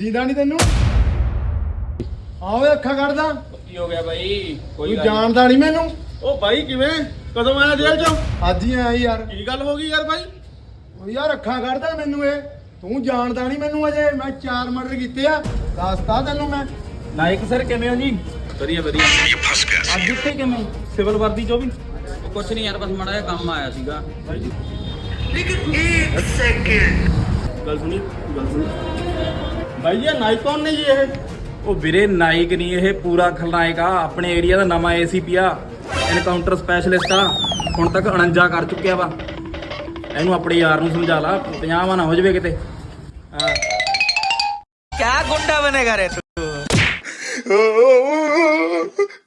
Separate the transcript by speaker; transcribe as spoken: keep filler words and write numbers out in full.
Speaker 1: ਦੀਦਾ ਨਹੀਂ ਤੈਨੂੰ? ਆਵੇ ਅੱਖਾਂ ਕੱਢਦਾ।
Speaker 2: ਕੀ ਹੋ ਗਿਆ ਬਾਈ? ਕੋਈ
Speaker 1: ਤੂੰ ਜਾਣਦਾ ਨਹੀਂ ਮੈਨੂੰ?
Speaker 3: ਉਹ ਬਾਈ ਕਿਵੇਂ ਕਦੋਂ ਆਇਆ ਜੇਲ੍ਹ ਚੋਂ?
Speaker 1: ਅੱਜ ਹੀ ਆਇਆ ਯਾਰ।
Speaker 3: ਕੀ ਗੱਲ ਹੋ ਗਈ ਯਾਰ ਬਾਈ?
Speaker 1: ਉਹ ਯਾਰ ਅੱਖਾਂ ਕੱਢਦਾ ਮੈਨੂੰ ਇਹ। ਤੂੰ ਜਾਣਦਾ ਨਹੀਂ ਮੈਨੂੰ ਅਜੇ। ਮੈਂ ਚਾਰ ਮਰਡਰ ਕੀਤੇ ਆ, ਦੱਸਤਾ ਤੈਨੂੰ ਮੈਂ।
Speaker 2: ਨਾਇਕ ਸਰ ਕਿਵੇਂ ਹੋ ਜੀ?
Speaker 3: ਵਧੀਆ ਵਧੀਆ।
Speaker 2: ਅੱਜ ਇੱਥੇ ਕਿਵੇਂ?
Speaker 3: ਸਿਵਲ ਵਰਦੀ ਚੋਂ ਵੀ
Speaker 2: ਕੁਛ ਨਹੀਂ ਯਾਰ, ਬਸ ਮਾੜਾ ਜਿਹਾ ਕੰਮ ਆਇਆ ਸੀਗਾ।
Speaker 3: ਗੱਲ ਸੁਣੀ ਗੱਲ ਸੁਣੀ ਬਾਈ ਇਹ ਨਾਈਕ ਕੌਣ ਨੇ ਜੀ ਇਹ?
Speaker 2: ਉਹ ਵੀਰੇ ਨਾਇਕ ਨਹੀਂ, ਇਹ ਪੂਰਾ ਖਲਨਾਇਕ ਆ। ਆਪਣੇ ਏਰੀਆ ਦਾ ਨਵਾਂ ਏਸੀਪੀ ਆ, ਐਨਕਾਊਂਟਰ ਸਪੈਸ਼ਲਿਸਟ ਆ। ਹੁਣ ਤੱਕ ਉਣੰਜਾ ਕਰ ਚੁੱਕਿਆ ਵਾ। ਇਹਨੂੰ ਆਪਣੇ ਯਾਰ ਨੂੰ ਸਮਝਾ ਲਾ, ਪੰਜਾਹ ਨਾ ਹੋ ਜਾਵੇ ਕਿਤੇ।
Speaker 4: क्या गुंडा बनेगा रे तू?